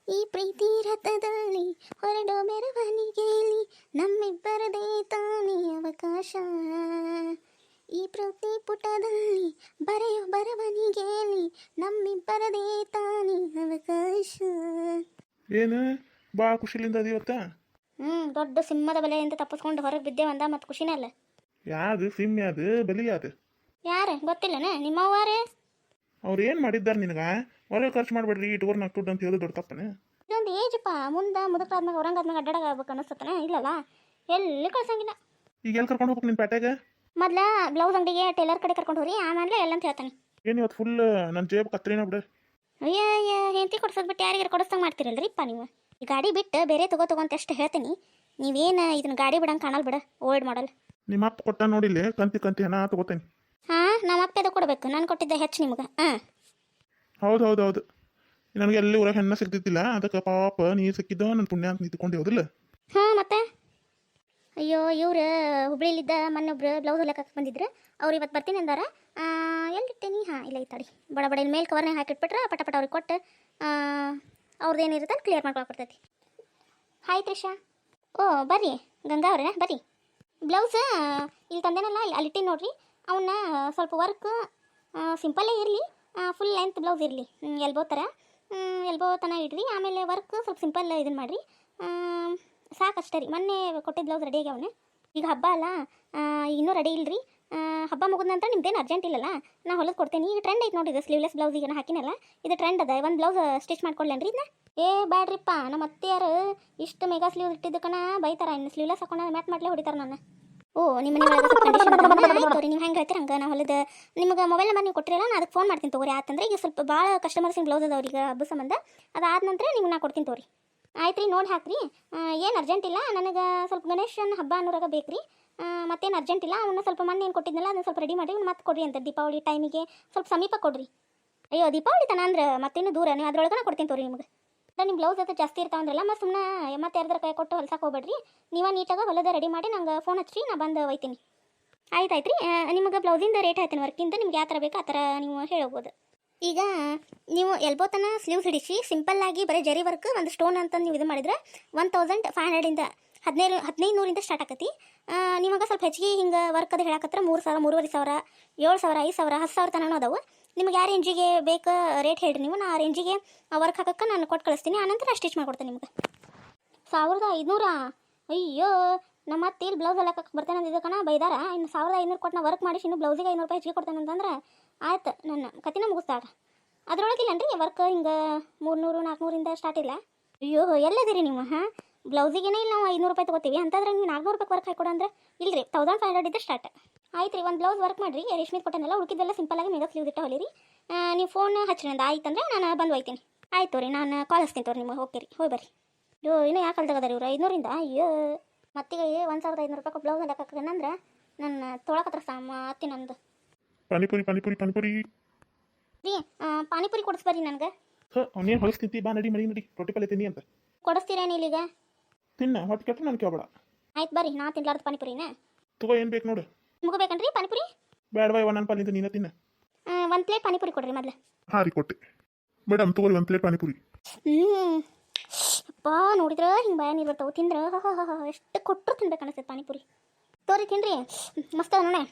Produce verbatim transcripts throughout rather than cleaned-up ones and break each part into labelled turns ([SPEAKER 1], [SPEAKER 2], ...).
[SPEAKER 1] ಈ ಪ್ರೀತಿ ರಥದಲ್ಲಿ ಹೊರಡೋ ಮೆರವಣಿಗೆಯಲ್ಲಿ ನಮ್ಮಿಬ್ಬರದೇ ತಾನೇ ಅವಕಾಶ. ಈ ಪ್ರತಿ ಪುಟದಲ್ಲಿ ಬರೆಯೋ ಬರವಣಿಗೆಯಲ್ಲಿ ನಮ್ಮಿಬ್ಬರದೇ ತಾನೇ ಅವಕಾಶ.
[SPEAKER 2] ಏನು ಭಾಳ ಖುಷಿಲಿಂದ ಅದೀವತ್ತ.
[SPEAKER 1] ಹ್ಞೂ ದೊಡ್ಡ ಸಿಂಹದ ಬಲೆ ಅಂತ ತಪ್ಪಿಸ್ಕೊಂಡು ಹೊರಗೆ ಬಿದ್ದೇವಂದ ಮತ್ತು ಖುಷಿನೇ ಅಲ್ಲ.
[SPEAKER 2] ಯಾವುದು ಸಿಮ್ ಯಾದು ಬಲಿ ಯಾದು?
[SPEAKER 1] ಯಾರು ಗೊತ್ತಿಲ್ಲನ ನಿಮ್ಮವ್ವಾರೇ?
[SPEAKER 2] ಅವ್ರು ಏನು ಮಾಡಿದ್ದಾರೆ ನಿನಗೆ? ಹೊರಗೆ ಖರ್ಚು ಮಾಡಬೇಡ್ರಿ ಇಟ್ಕೋರ್ ನಾಲ್ಕು ದುಡ್ಡು ಅಂತ ಹೇಳೋದು ದೊಡ್ಡ ತಪ್ಪನೆ.
[SPEAKER 1] ಇದೊಂದು ಏಜಪ್ಪ, ಮುಂದೆ ಮುದುಕಾದ್ಮೇಲೆ ಔರಂಗಾದ್ಮೇಲೆ ಅಡ್ಡಾಡಾಗ ಆಗ್ಬೇಕು ಅನ್ನಿಸ್ತತನ? ಇಲ್ಲಲ್ಲ, ಎಲ್ಲಿ ಕಳ್ಸಂಗಿಲ್ಲ.
[SPEAKER 2] ಈಗ ಎಲ್ಲಿ ಕರ್ಕೊಂಡು ಹೋಗ್ಬೇಕು ನಿನ್ನ ಪೇಟೆಗೆ?
[SPEAKER 1] ಮೊದ್ಲ ಬ್ಲೌಸ್ ಅಂಗಡಿಗೆ ಟೇಲರ್ ಕಡೆ ಕರ್ಕೊಂಡು ಹೋಗ್ರಿ, ಆಮೇಲೆ ಎಲ್ಲ ಅಂತ ಹೇಳ್ತಾನೆ.
[SPEAKER 2] ಏನು ಇವತ್ತು ಫುಲ್ ನನ್ನ ಜೇಬ್ ಕತ್ರಿನ ಬಿಡು.
[SPEAKER 1] ಅಯ್ಯ ಅಯ್ಯ ಹೆಂಡತಿ ಕೊಡ್ಸೋದು ಬಿಟ್ಟು ಯಾರಿಗಾರು ಕೊಡಿಸ್ದಂಗೆ ಮಾಡ್ತಿರಲ್ರಿಪ್ಪ ನೀವು. ಈ ಗಾಡಿ ಬಿಟ್ಟು ಬೇರೆ ತಗೋ ತಗೋ ಅಂತ ಎಷ್ಟು ಹೇಳ್ತೀನಿ, ನೀವೇನು ಇದನ್ನ ಗಾಡಿ ಬಿಡಂಗೆ ಕಾಣಲ್ ಬಿಡ. ಓಲ್ಡ್ ಮಾಡಲ್
[SPEAKER 2] ನಿಮ್ಮ ಅಪ್ಪ ಕೊಟ್ಟ ನೋಡಿಲ್ಲ, ಕಂತಿ ಕಂತಿ ಹಣ ತಗೋತೇನೆ.
[SPEAKER 1] ಹಾಂ, ನಮ್ಮ ಅಪ್ಪದ ಕೊಡಬೇಕು, ನಾನು ಕೊಟ್ಟಿದ್ದೆ ಹೆಚ್ಚು ನಿಮ್ಗೆ. ಹಾಂ
[SPEAKER 2] ಹೌದು ಹೌದು ಹೌದು, ನನಗೆ ಎಲ್ಲಿ ಊರಾಗ ಹೆಣ್ಣ ಸಿಗ್ತಿದ್ದಿಲ್ಲ, ಅದಕ್ಕೆ ಪಾಪ ನೀರು ಸಿಕ್ಕಿದ್ದ ನನ್ನ ಪುಣ್ಯ ಅಂತ ನಿಂತ್ಕೊಂಡು ಹೋದಿಲ್ಲ.
[SPEAKER 1] ಹಾಂ ಮತ್ತೆ ಅಯ್ಯೋ ಇವ್ರು ಹುಬ್ಳಿಲಿದ್ದ ಮೊನ್ನೊಬ್ರು ಬ್ಲೌಸ್ ಹೊಲಕ್ಕೆ ಬಂದಿದ್ರು, ಅವ್ರು ಇವತ್ತು ಬರ್ತೀನಿ ಅಂದಾರ. ಎಲ್ಲಿಟ್ಟೇನಿ? ಹಾಂ ಇಲ್ಲ ಈ ತಡಿ, ಬಡ ಬಡ ಇಲ್ಲಿ ಮೇಲೆ ಕವರ್ನಾಗ ಹಾಕಿಟ್ಬಿಟ್ರೆ ಪಟ ಪಟ ಅವ್ರಿಗೆ ಕೊಟ್ಟು ಅವ್ರದ್ದು ಏನಿರುತ್ತೆ ಅಲ್ಲಿ ಕ್ಲಿಯರ್ ಮಾಡ್ಕೊಳಕ್ಕೆ ಬರ್ತೈತಿ. ಹಾಯ್ ತ್ರಿಷಾ. ಓ ಬರ್ರಿ ಗಂಗಾ ಅವ್ರೆ ಬರ್ರಿ. ಬ್ಲೌಸ್ ಇಲ್ಲಿ ತಂದೇನಲ್ಲ, ಅಲ್ಲಿ ಅಲ್ಲಿಟ್ಟಿ ನೋಡ್ರಿ. ಅವನ್ನ ಸ್ವಲ್ಪ ವರ್ಕ್ ಸಿಂಪಲ್ಲೇ ಇರಲಿ, ಫುಲ್ ಲೆಂತ್ ಬ್ಲೌಸ್ ಇರಲಿ, ಎಲ್ಬೋ ಥರ ಎಲ್ಬೋ ತನ ಇಡ್ರಿ. ಆಮೇಲೆ ವರ್ಕ್ ಸ್ವಲ್ಪ ಸಿಂಪಲ್ ಇದನ್ನು ಮಾಡಿರಿ, ಸಾಕಷ್ಟೇ ರೀ. ಮೊನ್ನೆ ಕೊಟ್ಟಿದ್ದ ಬ್ಲೌಸ್ ರೆಡಿ ಆಗ್ಯಾವನೆ. ಈಗ ಹಬ್ಬ ಅಲ್ಲ, ಇನ್ನೂ ರೆಡಿ ಇಲ್ಲರಿ. ಹಬ್ಬ ಮುಗಿದ ನಂತರ ನಿಮ್ದೇನು ಅರ್ಜೆಂಟ್ ಇಲ್ಲಲ್ಲ, ನಾ ಹೊಲದು ಕೊಡ್ತೇನೆ. ಈಗ ಟ್ರೆಂಡ್ ಐತೆ ನೋಡಿರಿ, ಸ್ಲೀವ್ಲೆಸ್ ಬ್ಲೌಸ್ ಈಗ ನಾ ಹಾಕಿನಲ್ಲ, ಇದು ಟ್ರೆಂಡ್ ಅದ. ಒಂದು ಬ್ಲೌಸ್ ಸ್ಟಿಚ್ ಮಾಡ್ಕೊಳ್ಳೇನ್ರಿ ಇದನ್ನ? ಏ ಬ್ಯಾಡ್ರಿಪ್ಪ, ನಮ್ಮ ಅತ್ತೆಯಾರು ಇಷ್ಟು ಮೆಗಾ ಸ್ಲೀವ್ ಇಟ್ಟಿದ್ದಕ್ಕನ ಬೈತಾರ, ಇನ್ನು ಸ್ಲೀವ್ಲೆಸ್ ಹಾಕೊಂಡು ಮ್ಯಾಟ್ ಮಾಡ್ಲೇ ಹೊಡಿತಾರೆ ನನ್ನ. ಓ ನಿಮ್ಮ ನಿಮ್ಮೊಳಗೆ ಕಂಡೀಷನ್ ಆಯ್ತು ನೀವು ಹೆಂಗೆ ಹೇಳ್ತೀರ ಹಂಗೆ. ನಾ ಹೊಲದ ನಿಮ್ಗೆ ಮೊಬೈಲ್ ನಂಬರ್ ನೀವು ಕೊಟ್ಟಿರಲ್ಲ, ನಾನು ಅದಕ್ಕೆ ಫೋನ್ ಮಾಡ್ತೀನಿ ತಗೋರಿ. ಆತಂದ್ರೆ ಈಗ ಸ್ವಲ್ಪ ಭಾಳ ಕಸ್ಟಮರ್ಸಿನ ಬ್ಲೌಸ್ ಅದಾವ್ರಿಗೆ ಹಬ್ಬ ಸಂಬಂಧ, ಅದಾದ ನಂತರ ನಿಮ್ಗೆ ನಾ ಕೊಡ್ತೀನಿ ತಗೋರಿ. ಆಯ್ತು ರೀ, ನೋಡಿ ಹಾಕ್ರಿ. ಏನು ಅರ್ಜೆಂಟ್ ಇಲ್ಲ, ನನಗೆ ಸ್ವಲ್ಪ ಗಣೇಶನ ಹಬ್ಬ ಅನ್ನೋರಾಗ ಬೇಕು ರೀ. ಮತ್ತೇನು ಅರ್ಜೆಂಟ್ ಇಲ್ಲ, ಅವನ್ನ ಸ್ವಲ್ಪ ಮೊನ್ನೆ ಏನು ಕೊಟ್ಟಿದ್ನಲ್ಲ ಅದನ್ನು ಸ್ವಲ್ಪ ರೆಡಿ ಮಾಡಿ ಮತ್ತೆ ಕೊಡ್ರಿ ಅಂತ. ದೀಪಾವಳಿ ಟೈಮಿಗೆ ಸ್ವಲ್ಪ ಸಮೀಪ ಕೊಡ್ರಿ. ಅಯ್ಯೋ ದೀಪಾವಳಿ ತನ ಅಂದ್ರೆ ಮತ್ತೇನು ದೂರ, ನೀವು ಅದ್ರೊಳಗೆ ಕೊಡ್ತೀನಿ ತೋರಿ ನಿಮ್ಗೆ. ನಿಮ್ಮ ಬ್ಲೌಸ್ ಅದು ಜಾಸ್ತಿ ಇರ್ತಾವಂದ್ರಲ್ಲ, ಮತ್ತು ಸುಮ್ಮನೆ ಮತ್ತೆ ಯಾರ್ದಾರ ಕೈ ಕೊಟ್ಟು ಹೊಲ್ಸಕ್ಕೆ ಹೋಗ್ಬೇಡ್ರಿ. ನೀವೇ ನೀಟಾಗಿ ಹೊಲದ ರೆಡಿ ಮಾಡಿ ನಂಗೆ ಫೋನ್ ಹಚ್ಚಿರಿ, ನಾ ಬಂದು ಒಯ್ತೀನಿ. ಆಯ್ತು ಆಯ್ತು ರೀ, ನಿಮಗೆ ಬ್ಲೌಸಿಂದ ರೇಟ್ ಹೇಳ್ತೀನಿ, ವರ್ಕಿಂದ ನಿಮ್ಗೆ ಯಾವ ಥರ ಬೇಕು ಆ ಥರ ನೀವು ಹೇಳೋಗ್ಬೋದು. ಈಗ ನೀವು ಎಲ್ಬೋತನ ಸ್ಲೀವ್ಸ್ ಹಿಡಿಸಿ ಸಿಂಪಲ್ಲಾಗಿ ಬರೀ ಜರಿ ವರ್ಕ್ ಒಂದು ಸ್ಟೋನ್ ಅಂತ ನೀವು ಇದು ಮಾಡಿದ್ರೆ ಒನ್ ತೌಸಂಡ್ ಫೈವ್ ಹಂಡ್ರೆಡಿಂದ ಹದಿನೈದು ಹದಿನೈದು ನೂರಿಂದ ಸ್ಟಾರ್ಟ್ ಆಕತಿ. ನಿಮಗೆ ಸ್ವಲ್ಪ ಹೆಚ್ಚಿಗೆ ಹಿಂಗೆ ವರ್ಕ್ ಅದು ಹೇಳಕತ್ರ ಮೂರು ಸಾವಿರ ಮೂರುವರೆ ಸಾವಿರ ಏಳು ಸಾವಿರ ಐದು ಸಾವಿರ ಹತ್ತು ಸಾವಿರ ತನಕ ಅದಾವೆ. ನಿಮ್ಗೆ ಯಾವ ರೇಂಜಿಗೆ ಬೇಕು ರೇಟ್ ಹೇಳಿರಿ ನೀವು, ನಾ ಆ ರೇಂಜಿಗೆ ವರ್ಕ್ ಹಾಕಕ್ಕೆ ನಾನು ಕೊಟ್ಟು ಕಳಿಸ್ತೀನಿ. ಆನಂತರ ಸ್ಟಿಚ್ ಮಾಡ್ಕೊಡ್ತೇನೆ ನಿಮ್ಗೆ. ಸಾವಿರದ ಐದುನೂರಾ? ಅಯ್ಯೋ ನಮ್ಮ ಮತ್ತೆ ಇಲ್ಲಿ ಬ್ಲೌಸ್ ಹೊಲಕ್ಕೆ ಬರ್ತೇನೆ ಅಂದಿದ್ದ ಕಣ ಬೈದಾರ. ಇನ್ನು ಸಾವಿರದ ಐನೂರು ಕೊಟ್ಟು ನಾ ವರ್ಕ್ ಮಾಡಿಸಿ ಇನ್ನು ಬ್ಲೌಸಿಗೆ ಐನೂರು ರೂಪಾಯಿ ಹೆಚ್ಚಿಗೆ ಕೊಡ್ತೇನೆ ಅಂತಂದ್ರೆ ಆಯ್ತು, ನನ್ನ ಕತಿನ ಮುಗಿಸ್ತಾಳ. ಅದ್ರೊಳಗಿಲ್ಲನ್ರಿ ವರ್ಕ್ ಹಿಂಗೆ ಮೂರ್ನೂರು ನಾಲ್ಕುನೂರಿಂದ ಸ್ಟಾರ್ಟ್ ಇಲ್ಲ. ಅಯ್ಯೋ ಎಲ್ಲದಿರಿ ನೀವು? ಹಾಂ, ಬ್ಲೌಸಿಗೇನೆ ಇಲ್ಲ ನಾವು ಐನೂರು ರೂಪಾಯಿ ತೊಗೋತೀವಿ, ಅಂತಂದ್ರೆ ನೀವು ನಾಲ್ಕುನೂರು ರೂಪಾಯಿ ವರ್ಕ್ ಹಾಕೊಡು ಅಂದ್ರೆ ಇಲ್ಲರಿ, ತೌಸಂಡ್ ಫೈವ್ ಹಂಡ್ರೆಡ್ ಇದ್ದ ಸ್ಟಾರ್ಟ್. ಆಯ್ತು ರೀ, ಒಂದು ಬ್ಲೌಸ್ ವರ್ಕ್ ಮಾಡಿರಿ, ರೇಷ್ಮೆ ಕೊಟ್ಟನಲ್ಲ, ಉಳ್ಕಿದ್ದೆಲ್ಲ ಸಿಂಪಲ್ಲಾಗಿ ಮೆಗಾ ಸ್ಲೀವ್ ಇಟ್ಟು ಹೊಲಿರಿ. ನೀವು ಫೋನ್ ಹಚ್ಚಿರಿ ಅಂದ ಆಯ್ತಂದ್ರೆ ನಾನು ಬಂದು ಒಯ್ತೀನಿ. ಆಯ್ತು ರೀ, ನಾನು ಕಾಲ್ ಹಚ್ತೀನಿ ತೋರಿ ನಿಮಗೆ. ಓಕೆ ರೀ, ಹೋಗಿ ಬರ್ರಿ. ಅಯ್ಯೋ ಇನ್ನೂ ಯಾಕೆ ಅಲ್ದಾಗದಾರ ಇವ್ರು ಐನೂರಿಂದ? ಅಯ್ಯೋ ಮತ್ತಿಗೆ ಒಂದು ಸಾವಿರದ ಐನೂರು ರೂಪಾಯಿ ಬ್ಲೌಸ್ ಹಾಕಕ್ಕಂದ್ರೆ ನನ್ನ ತೊಳಕತ್ರ ಸಾಮ ಅತ್ತಿ ನಂದು.
[SPEAKER 2] ಪಾನಿಪುರಿ ಪಾನಿಪುರಿ ಪಾನಿಪುರಿ
[SPEAKER 1] ರೀ, ಪಾನಿಪುರಿ ಕೊಡಿಸ್ಬರ್ರಿ ನನಗೆ.
[SPEAKER 2] ಅವನೇನು ಹೊಲಿಸ್ತಿಂತಿ, ಬಾ ನಡಿ ಮಡಿ ನಡಿ, ರೊಟ್ಟಿ ಪಲ್ಲೆ ತಿನ್ನಿ ಅಂತ.
[SPEAKER 1] ಕೊಡಿಸ್ತೀರೇನು ಇಲ್ಲಿಗ?
[SPEAKER 2] ತಿನ್ನ ಹೊಟ್ಟೆ ಕೆಟ್ಟ ನಾನು ಕೇಳಬೇಡ.
[SPEAKER 1] ಆಯ್ತು ಬರ್ರಿ, ನಾ ತಿನ್ಲಾರ್ದು ಪಾನಿಪುರಿನ
[SPEAKER 2] ತಗೋ, ಏನು ಬೇಕು ನೋಡು.
[SPEAKER 1] ನಿಮಗೂ ಬೇಕನ್ರಿ ಪಾನಿಪುರಿ?
[SPEAKER 2] ಬೇಡ ಬಾಯ್, ನನ್ನ ಪಾಲಿಂದ ನೀನ ತಿನ್ನ.
[SPEAKER 1] ಒಂದು ಪ್ಲೇಟ್ ಪಾನಿಪುರಿ ಕೊಡ್ರಿ ಮೊದಲು.
[SPEAKER 2] ಹಾಂ ರೀ ಕೊಟ್ಟೆ ಮೇಡಮ್, ತಗೋರಿ ಒಂದು ಪ್ಲೇಟ್ ಪಾನಿಪುರಿ.
[SPEAKER 1] ಹ್ಞೂ ಅಪ್ಪ ನೋಡಿದ್ರೆ ಹಿಂಗೆ ಭಯ ನೀರು ಬರ್ತಾವೆ, ತಿಂದ್ರೆ ಎಷ್ಟು ಕೊಟ್ಟರು ತಿನ್ಬೇಕು ಅನಿಸ್ತೈತೆ ಪಾನಿಪುರಿ. ತೋರಿ ತಿನ್ರಿ, ಮಸ್ತ್ ಅದ ನೋಡೆ.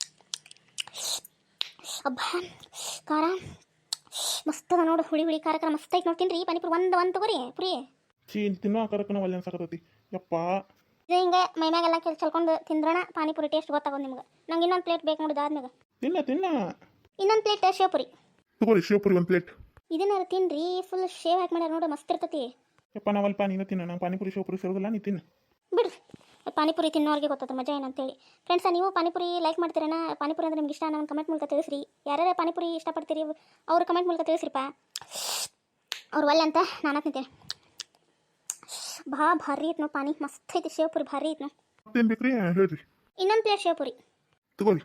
[SPEAKER 1] ಅಬ್ಬ ಖಾರ ಮಸ್ತ್ ಅದ ನೋಡು, ಹುಳಿ ಹುಳಿ ಖಾರ ಖಾರ ಮಸ್ತ್ ಐತೆ ನೋಡಿ. ತಿನ್ರಿ ಪಾನಿಪುರಿ ಒಂದು ಒಂದು ತಗೋರಿ ಪುರಿ.
[SPEAKER 2] ಚೀ ತಿನ್ನೋ ಆಕಾರಕ್ಕನ ಒಳ್ಳೆ ಅನ್ಸಕತ್ತೈತಿ ಯಪ್ಪ.
[SPEAKER 1] ಇದು ಹಿಂಗೆ ಮೈಮ್ಯಾಗೆಲ್ಲ ಕೆಲ್ ಚಲ್ಕೊಂಡು ತಿಂದ್ರಣ ಪಾನಿಪುರಿ ಟೇಸ್ಟ್ ಗೊತ್ತಾಗೋದು ನಿಮ್ಗೆ. ನಂಗೆ ಇನ್ನೊಂದು ಪ್ಲೇಟ್ ಬೇಕು ನೋಡಿದ ಆದ್ಮೇಲೆ.
[SPEAKER 2] ತಿನ್ನ ತಿನ್ನ
[SPEAKER 1] ಇನ್ನೊಂದು ಪ್ಲೇಟ್ ಶಿವಪುರಿ
[SPEAKER 2] ತಗೋರಿ, ಶಿವಪುರಿ ಒಂದು ಪ್ಲೇಟ್.
[SPEAKER 1] ಇದನ್ನಾರು ತಿನ್ರಿ, ಫುಲ್ ಶೇವ್ ಹಾಕಿ ಮಾಡ್ಯಾರ ನೋಡು, ಮಸ್ತ್ ಇರ್ತೈತಿ.
[SPEAKER 2] ಯಪ್ಪ ನಾವಲ್ಪ ನೀನು ತಿನ್ನ, ನಂಗೆ ಪಾನಿಪುರಿ ಶಿವಪುರಿ ಸೇರೋದಿಲ್ಲ, ನೀ ತಿನ್ನ
[SPEAKER 1] ಬಿಡ್ರಿ. ಪಾನಿಪುರಿ ತಿನ್ನೋರಿಗೆ ಗೊತ್ತದ ಮಜಾ ಏನಂತೇಳಿ. ಫ್ರೆಂಡ್ಸ, ನೀವು ಪಾನಿಪುರಿ ಲೈಕ್ ಮಾಡ್ತೀರನ? ಪಾನಿಪುರಿ ಅಂದ್ರೆ ನಿಮ್ಗೆ ಇಷ್ಟ, ನಾನು ಕಮೆಂಟ್ ಮೂಲಕ ತಿಳಿಸ್ರಿ. ಯಾರ್ಯಾರು ಪಾನಿಪುರಿ ಇಷ್ಟಪಡ್ತೀರಿ ಅವ್ರು ಕಮೆಂಟ್ ಮೂಲಕ ತಿಳಿಸ್ರಿಪ್ಪ. ಅವ್ರು ಒಳ್ಳೆ ಅಂತ ನಾನು ತಿಂತೇನೆ. ಬಾ ಭಾರಿ ಐತೆ ನೋ ಪಾನಿ, ಮಸ್ತ್ ಐತಿ. ಶಿವಪುರಿ ಭಾರಿ ಐತೆ ನೋ.
[SPEAKER 2] ಮತ್ತೇನು ಬೇಕ್ರಿ ಹೇಳ್ರಿ?
[SPEAKER 1] ಇನ್ನೊಂದು ಪ್ಲೇಟ್ ಶಿವಪುರಿ
[SPEAKER 2] ತಗೋರಿ.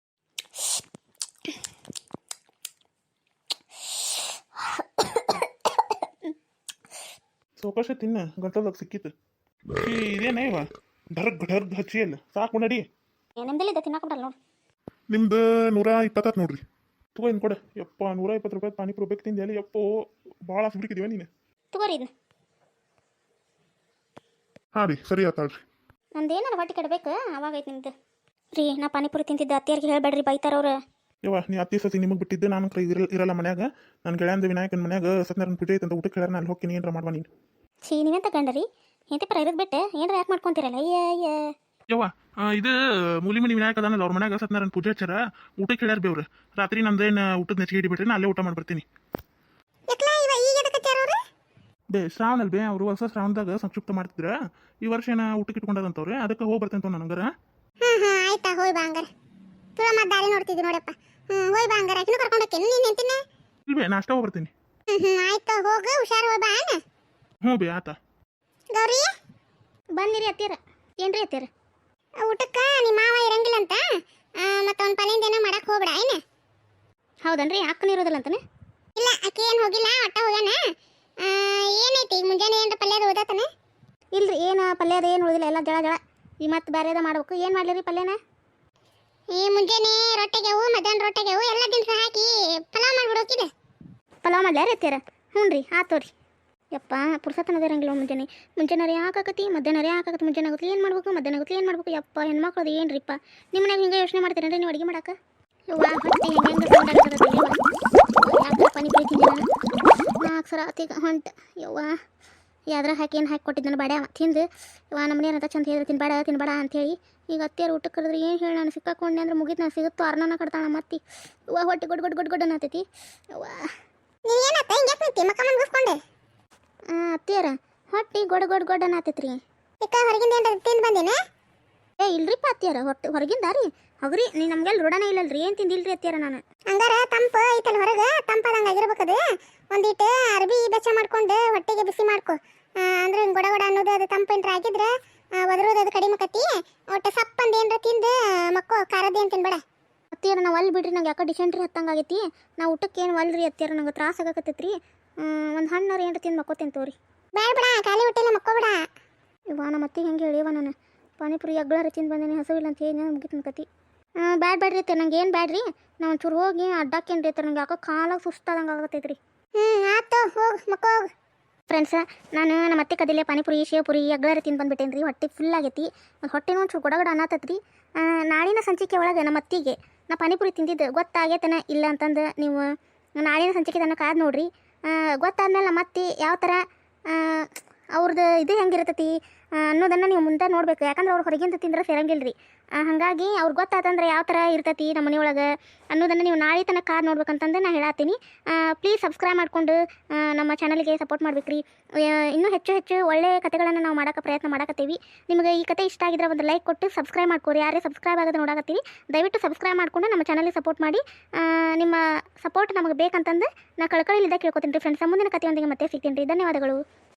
[SPEAKER 2] ಸೌಕಾಶ ತಿನ್ನ, ಗಂಟಲ್ದಾಗ ಸಿಕ್ಕಿತ್ತು. ಇದೇನೇ ಇವ ಢರ್ಗ್ ಢರ್ಗ್ ಹಚ್ಚಿ ಅಲ್ಲ, ಸಾಕು ನಡಿ.
[SPEAKER 1] ನಿಮ್ದೆಲ್ಲಿದ್ದ ತಿನ್ನಾಕೊಂಡಲ್ಲ ನೋಡಿ.
[SPEAKER 2] ನಿಮ್ದು ನೂರ ಇಪ್ಪತ್ತತ್ತು ನೋಡ್ರಿ. ತಗೋ ಇನ್ನು ಕೊಡ. ಯಪ್ಪ ನೂರ ಇಪ್ಪತ್ತು ರೂಪಾಯಿ ಪಾನಿಪುರಿ ಬೇಕು ತಿಂದೆ ಅಲ್ಲಿ. ಯಪ್ಪೋ ಭಾಳ ಸುಬ್ರಿಕಿದೀವ ನೀನು.
[SPEAKER 1] ತಗೋರಿ ಇದನ್ನ.
[SPEAKER 2] ಹಾಂ ರೀ ಸರಿ ಆತಾಳ್ರಿ.
[SPEAKER 1] ನಂದು ಏನಾರ ಹೊಟ್ಟೆ ಕೆಡಬೇಕು ಅವಾಗೈತೆ ನಿಮ್ದು ರೀ. ನಾ ಪಾನಿಪುರಿ ತಿಂತಿದ್ದೆ ಅತ್ತಿಯರಿಗೆ ಹೇಳ್ಬೇಡ್ರಿ ಬೈತಾರವ್ರು.
[SPEAKER 2] ಯವ್ವ ನೀ ಅತ್ತಿ ಸತಿ ನಿಮಗೆ ಬಿಟ್ಟಿದ್ದೆ ನಾನು ಕೈ ಇರಲ್ಲ ಇರಲ್ಲ ಮನ್ಯಾಗ. ನನ್ನ ಗೆಳೆಯಂದ ವಿನಾಯಕನ ಮನ್ಯಾಗ ಸತ್ಯನಾರಾಯಣ ಪೂಜೆ ಐತೆ ಅಂತ ಊಟಕ್ಕೆ ಹೇಳ್ಯಾರ. ಅಲ್ಲಿ ಹೋಗಿ ಏನಾರ ಮಾಡುವ ನೀನು.
[SPEAKER 1] ಛೀ ನೀವೇನು ತಗೊಂಡ್ರಿ ಹೆಂತಿ ಪರ ಇರೋದು ಬಿಟ್ಟೆ ಏನಾರ ಯಾಕೆ ಮಾಡ್ಕೊತೀರಲ್ಲ ಅಯ್ಯ ಅಯ್ಯ.
[SPEAKER 2] ಯವ್ವ ಇದು ಮೂಲಿಮನಿ ವಿನಾಯಕ ಅದಾನಲ್ಲ ಅವ್ರ ಮನ್ಯಾಗ ಸತ್ಯನಾರಾಯಣ ಪೂಜೆ ಹಚ್ಚಾರ. ಊಟಕ್ಕೆ ಹೇಳ್ಯಾರ ಬೇವ್ರು. ರಾತ್ರಿ ನಂದೇನು ಊಟದ ನೆಚ್ಚಿಗೆ ಹಿಡಿಬಿಟ್ರೆ ನಾ ಅಲ್ಲೇ ಊಟ ಮಾಡ್ಬರ್ತೀನಿ. ಬೇ ಶ್ರಾವಣ ಬೇ ಅವರು ಹೊಸ ಶ್ರಾವಣದಾಗ ಸಂಕ್ಷಿಪ್ತ ಮಾಡ್ತಿದ್ರ. ಈ ವರ್ಷ ಏನ ಊಟಕ್ಕೆ ಇಟ್ಕೊಂಡದಂತವ್ರೆ. ಅದಕ್ಕೆ ಹೋಗಿ ಬರ್ತೇನೆ ನನಗರ.
[SPEAKER 3] ಹ್ಮ್ ಹ್ಮ್ ಆಯ್ತಾ ಹೋಯ್ ಬಾ ಹಂಗಾರ. ತುಳ ಮತ್ತೆ ದಾರಿ ನೋಡ್ತಿದ್ದಿ ನೋಡಪ್ಪ. ಹ್ಮ್ ಹೋಯ್ ಬಾ ಹಂಗಾರ. ಆಕಿನೂ ಕರ್ಕೊಂಡು ಹೋಗ್ತೇನೆ ನೀನು ನಿಂತಿನ.
[SPEAKER 2] ಇಲ್ವೇ ನಾಷ್ಟ ಹೋಗಿ ಬರ್ತೀನಿ.
[SPEAKER 3] ಹ್ಮ್ ಹ್ಮ್ ಆಯ್ತು ಹೋಗು ಹುಷಾರು ಹೋಯ್ ಬಾ ಅಣ್ಣ.
[SPEAKER 2] ಹ್ಞೂ ಬೇ ಆತ.
[SPEAKER 3] ಗೌರಿ
[SPEAKER 1] ಬಂದಿರಿ ಅತ್ತಿಯರ. ಏನ್ರಿ ಅತ್ತಿಯರ?
[SPEAKER 3] ಊಟಕ್ಕೆ ನಿಮ್ಮ ಮಾವ ಇರಂಗಿಲ್ಲ ಅಂತ ಮತ್ತೆ ಅವ್ನ ಪಲ್ಯದ ಏನೋ ಮಾಡಕ್ ಹೋಗ್ಬೇಡ ಏನ.
[SPEAKER 1] ಹೌದನ್ರಿ ಅಕ್ಕನ ಇರೋದಿಲ್ಲ ಅಂತಾನೆ?
[SPEAKER 3] ಇಲ್ಲ ಆಕೆ ಏನು ಹೋಗಿಲ್ಲ ಒಟ್ಟ ಹೋಗ್ಯಾನ. ಏನೈತಿ ಈಗ ಮುಂಜಾನೆ ಏನ್ರ ಪಲ್ಯದ ಓದತಾನೆ?
[SPEAKER 1] ಇಲ್ರಿ ಏನು ಪಲ್ಯ ಅದ ಏನು ಉಳಿದಿಲ್ಲ ಎಲ್ಲ ಜಳ ಜಳ. ಈ ಮತ್ತೆ ಬೇರೆದ ಮಾಡ್ಬೇಕು. ಏನು ಮಾಡಲಿರಿ ಪಲ್ಯನ?
[SPEAKER 3] ಈ ಮುಂಜಾನೆ ರೊಟ್ಟೆಗೆವು ಮಧ್ಯಾಹ್ನ ರೊಟ್ಟೆಗೆವು ಎಲ್ಲ ದಿನಸ ಹಾಕಿ ಪಲಾವ್ ಮಾಡ್ಬಿಡೋಕಿದೆ.
[SPEAKER 1] ಪಲಾವ್ ಮಾಡ್ಲಾರ ಅತ್ತಿಯರ? ಹ್ಞೂ ರೀ ಆತು ರೀ. ಯಪ್ಪ ಪುರ್ಸತ್ತನದ ಇರಂಗಿಲ್ಲ ಮುಂಜಾನೆ. ಮುಂಜಾನೆ ಯಾಕಾಕತಿ ಮಧ್ಯಾಹ್ನ ಯಾಕಾಕತಿ. ಮುಂಜಾನೆ ಆಗುತ್ತೆ ಏನು ಮಾಡ್ಬೇಕು ಮಧ್ಯಾಹ್ನ ಆಗುತ್ತೆ ಏನು ಮಾಡ್ಬೇಕು. ಯಪ್ಪ ಹೆಣ್ಮಕ್ಳದು ಏನು ರೀಪ್ಪ. ನಿಮ್ಮ ಮನ್ಯಾಗ ಹಿಂಗೆ ಯೋಚನೆ ಮಾಡ್ತೀರೇನ್ರಿ ನೀವು ಅಡುಗೆ ಮಾಡಕ್ಕೆ? ಯವ್ವ ಹೊಟ್ಟೆ ಹೆಂಗೆ ಯಾಕೆ ಪಾನಿಪುರಿ ತಿಂದಿ ನಾನು ನಾಲ್ಕು ಸರ ಆತೀಗ ಹೊಂಟ. ಯವ್ವ ಯಾವ್ದ್ರ ಹಾಕಿ ಏನು ಹಾಕಿ ಕೊಟ್ಟಿದ್ದು ನಾನು ಬಾಡ್ಯ ತಿಂದು. ಯವ್ವ ನಮ್ಮ ಮನೆಯವ್ರ ಚಂದ ಹೇಳಿದ್ರೆ ತಿನ್ಬೇಡ ತಿನ್ಬೇಡ ಅಂಥೇಳಿ ಈಗ ಅತ್ತಿಯರು ಊಟಕ್ಕೆ ಕರೆದ್ರೆ ಏನು ಹೇಳಿ ನಾನು ಸಿಕ್ಕಾಕೊಂಡೆ ಅಂದ್ರೆ ಮುಗಿತು. ನಾನು ಸಿಗುತ್ತೋ ಅರ್ಣನ ಕಟ್ತಾಳ ಮತ್ತೆ. ಯವ್ವ ಹೊಟ್ಟೆ ಗೊಡ್ ಗೊಡ್ ಗೊಡ್ ಗೊಡ್ ಅನ್ನತೈತಿ. ಯವ್ವ
[SPEAKER 3] ನೀ ಏನತ್ತ ಹಿಂಗೆ ನಿಂತಿ ಮಕ್ಕ ಮುಗಿಸ್ಕೊಂಡೆ?
[SPEAKER 1] ಅತ್ತಿಯರ ಹೊಟ್ಟೆ ಗೊಡ್ ಗೊಡ್ ಗೊಡ್ ಅನ್ನತೈತ್ರಿ.
[SPEAKER 3] ಈಗ ಹೊರಗಿಂದ ಏನ್ರ ತಿಂದು ಬಂದೇನೆ?
[SPEAKER 1] ಏ ಇಲ್ರಿಪ್ಪ ಅತ್ತಿಯರ ಹೊಟ್ಟೆ ಹೊರಗಿಂದ ರೀ. ಹೌದ್ರಿ ನೀ ನಮ್ಗೆಲ್ಲ ರೂಢನೇ ಇಲ್ಲಲ್ರಿ. ಏನು ತಿಂದಿಲ್ರಿ ಅತ್ತಿಯರ ನಾನು.
[SPEAKER 3] ಹಂಗಾರ ತಂಪು ಐತಲ್ಲ ಹೊರಗೆ ತಂಪದಂಗೆ ಆಗಿರ್ಬೇಕದು. ಒಂದಿಟ್ಟು ಅರ್ಬಿ ಬೆಚ್ಚ ಮಾಡ್ಕೊಂಡು ಹೊಟ್ಟೆಗೆ ಬಿಸಿ ಮಾಡ್ಕೊ. ಅಂದ್ರೆ ಹಿಂಗೆ ಗೊಡ ಗೊಡ ಅನ್ನೋದು ಅದು ತಂಪು ಏನ್ರ ಆಗಿದ್ರೆ ಒದರೋದು ಅದು ಕಡಿಮೆ ಕತ್ತಿ. ಒಟ್ಟು ಸಪ್ಪಂದು ಏನರ ತಿಂದು ಮಕ್ಕೋ ಖಾರದ್ದು ಏನು ತಿನ್ಬೇಡ.
[SPEAKER 1] ಅತ್ತಿಯರ ನಾವು ಅಲ್ಲಿ ಬಿಡ್ರಿ. ನಂಗೆ ಯಾಕೆ ಡಿಸೆಂಟ್ರಿ ಹತ್ತಂಗೆ ಆಗೈತಿ. ನಾವು ಊಟಕ್ಕೆ ಏನು ಒಲ್ರಿ ಅತ್ತಿಯರ. ನಂಗೆ ತ್ರಾಸ ಆಗಕತ್ತೈತ್ರಿ. ಒಂದು ಹಣ್ಣಾರು ಏನ್ರ ತಿಂದು ಮಕ್ಕೋತೇನೆ ತೋರಿ.
[SPEAKER 3] ಬೇಡ ಬಿಡ ಖಾಲಿ ಹೊಟ್ಟೆಲ್ಲ ಮಕ್ಕೋಬೇಡ.
[SPEAKER 1] ಇವ ನಮ್ಮ ಅತ್ತಿಗೆ ಹೆಂಗೆ ಹೇಳಿವ ನಾನು ಪಾನಿಪುರಿ ಅಗ್ಳಾರ ತಿಂದು ಬಂದೇನೆ ಹಸುವಿಲ್ಲ ಅಂತ ಹೇಳಿ ನಾನು ಮುಗಿತು ಕತಿ. ಬ್ಯಾಡ್ ಬ್ಯಾಡ್ರಿ ಅತ್ತೆ ನಂಗೆ ಏನು ಬ್ಯಾಡ್ರಿ. ನಾವು ಒಂಚೂರು ಹೋಗಿ ಅಡ್ಡಾಕೇನ್ರಿ ಅತ್ತೆ. ನಂಗೆ ಯಾಕೋ ಕಾಲಾಗ ಸುಸ್ತಾದಂಗೆ ಆಗತ್ತೈತ್ರಿ.
[SPEAKER 3] ಹ್ಞೂ ಆಯ್ತು ಹೋಗು ಮಕ್ಕೋಗು.
[SPEAKER 1] ಫ್ರೆಂಡ್ಸ ನಾನು ನಮ್ಮ ಅತ್ತೆ ಕದಿಲೆ ಪಾನಿಪುರಿ ಶೇಪುರಿ ಅಗ್ಳಾರ ತಿಂದು ಬಂದುಬಿಟ್ಟೇನೆ ರೀ. ಹೊಟ್ಟೆ ಫುಲ್ ಆಗೈತಿ. ಹೊಟ್ಟೆನೂ ಒಂಚೂರು ಗೊಡ ಗೊಡ ಅನ್ನತ್ತೈತ್ರಿ. ನಾಳಿನ ಸಂಚಿಕೆ ಒಳಗೆ ನಮ್ಮ ಅತ್ತಿಗೆ ನಾ ಪಾನಿಪುರಿ ತಿಂದಿದ್ದು ಗೊತ್ತಾಗೈತನ ಇಲ್ಲ ಅಂತಂದು ನೀವು ನಾಳಿನ ಸಂಚಿಕೆ ತನಕ ಕಾದು ನೋಡ್ರಿ. ಗೊತ್ತಾದ್ಮೇಲೆ ನಮ್ಮ ಅತ್ತಿ ಯಾವ ಥರ ಅವ್ರದ್ದು ಇದು ಹೆಂಗಿರ್ತೈತಿ ಅನ್ನೋದನ್ನು ನೀವು ಮುಂದೆ ನೋಡ್ಬೇಕು. ಯಾಕಂದ್ರೆ ಅವ್ರು ಹೊರಗಿಂದ ತಿಂದ್ರೆ ಸೇರಂಗಿಲ್ಲ ರೀ. ಹಾಗಾಗಿ ಅವ್ರಿಗೆ ಗೊತ್ತಾತಂದ್ರೆ ಯಾವ ಥರ ಇರ್ತೈತಿ ನಮ್ಮ ಮನೆಯೊಳಗೆ ಅನ್ನೋದನ್ನು ನೀವು ನಾಳೆ ತನಕ ಕಾದು ನೋಡ್ಬೇಕಂತಂದು ನಾನು ಹೇಳತ್ತೀನಿ. ಪ್ಲೀಸ್ ಸಬ್ಸ್ಕ್ರೈಬ್ ಮಾಡಿಕೊಂಡು ನಮ್ಮ ಚಾನಲ್ಗೆ ಸಪೋರ್ಟ್ ಮಾಡ್ಬೇಕು ರೀ. ಇನ್ನೂ ಹೆಚ್ಚು ಹೆಚ್ಚು ಒಳ್ಳೆಯ ಕಥೆಗಳನ್ನು ನಾವು ಮಾಡೋಕ್ಕೆ ಪ್ರಯತ್ನ ಮಾಡಕತ್ತೀವಿ. ನಿಮಗೆ ಈ ಕತೆ ಇಷ್ಟ ಆಗಿದ್ರೆ ಒಂದು ಲೈಕ್ ಕೊಟ್ಟು ಸಬ್ಸ್ಕ್ರೈಬ್ ಮಾಡ್ಕೊರಿ. ಯಾರೇ ಸಬ್ಸ್ಕ್ರೈಬ್ ಆಗೋದು ನೋಡಕತ್ತೀವಿ ದಯವಿಟ್ಟು ಸಬ್ಸ್ಕ್ರೈಬ್ ಮಾಡಿಕೊಂಡು ನಮ್ಮ ಚಾನಲ್ಗೆ ಸಪೋರ್ಟ್ ಮಾಡಿ. ನಿಮ್ಮ ಸಪೋರ್ಟ್ ನಮಗೆ ಬೇಕಂತಂದು ನಾನು ಕಳ್ಕಳಿಲಿದ್ದ ಕೇಳ್ಕೊತೀನಿ ರೀ ಫ್ರೆಂಡ್ಸ್. ಮುಂದಿನ ಕಥೆಯೊಂದಿಗೆ ಮತ್ತೆ ಸಿಗ್ತೀನಿ ರೀ. ಧನ್ಯವಾದಗಳು.